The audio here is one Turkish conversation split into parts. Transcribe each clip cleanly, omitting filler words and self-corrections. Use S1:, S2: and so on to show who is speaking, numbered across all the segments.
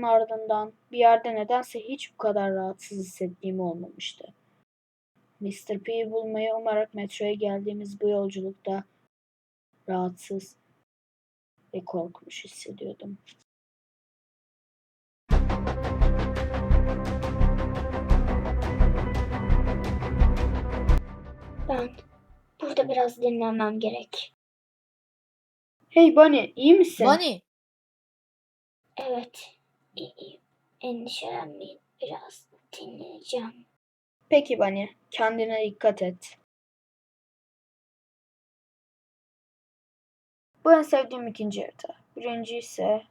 S1: bunun ardından bir yerde nedense hiç bu kadar rahatsız hissettiğim olmamıştı. Mr. P'yi bulmayı umarak metroya geldiğimiz bu yolculukta rahatsız ve korkmuş hissediyordum.
S2: Ben burada biraz dinlenmem gerek.
S1: Hey Bunny, iyi misin?
S3: Bunny,
S2: Evet, iyiyim. Endişelenmeyin. Biraz dinleneceğim.
S1: Peki Bunny, kendine dikkat et. Bu en sevdiğim ikinci harita. Birinci ise...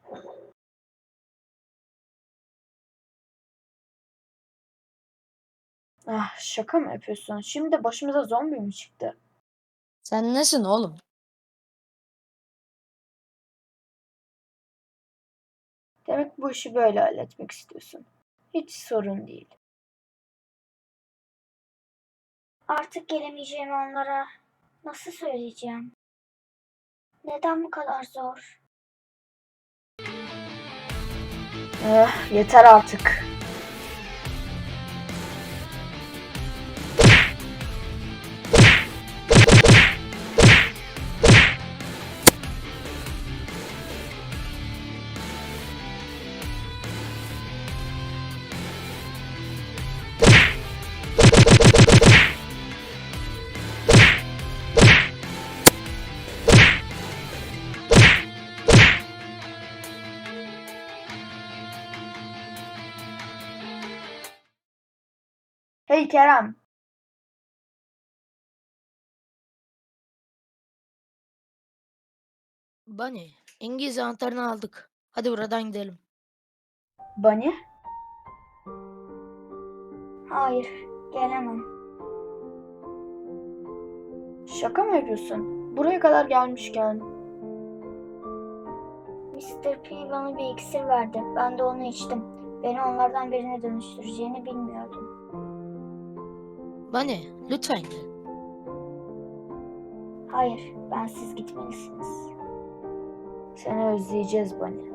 S1: Ah, şaka mı yapıyorsun? Şimdi de başımıza zombi mi çıktı?
S3: sen nesin oğlum?
S1: Demek bu işi böyle halletmek istiyorsun. Hiç sorun değil.
S2: Artık gelemeyeceğimi onlara nasıl söyleyeceğim? Neden bu kadar zor?
S1: Yeter artık. Hey Kerem.
S3: Bunny, İngiliz anahtarını aldık. Hadi buradan gidelim.
S1: Bunny?
S2: Hayır, gelemem.
S1: Şaka mı yapıyorsun? Buraya kadar gelmişken.
S2: Mr. P bana bir iksir verdi. Ben de onu içtim. Beni onlardan birine dönüştüreceğini bilmiyordum.
S3: Bunny, lütfen gel.
S2: Hayır, bensiz gitmelisiniz.
S1: Seni özleyeceğiz Bunny.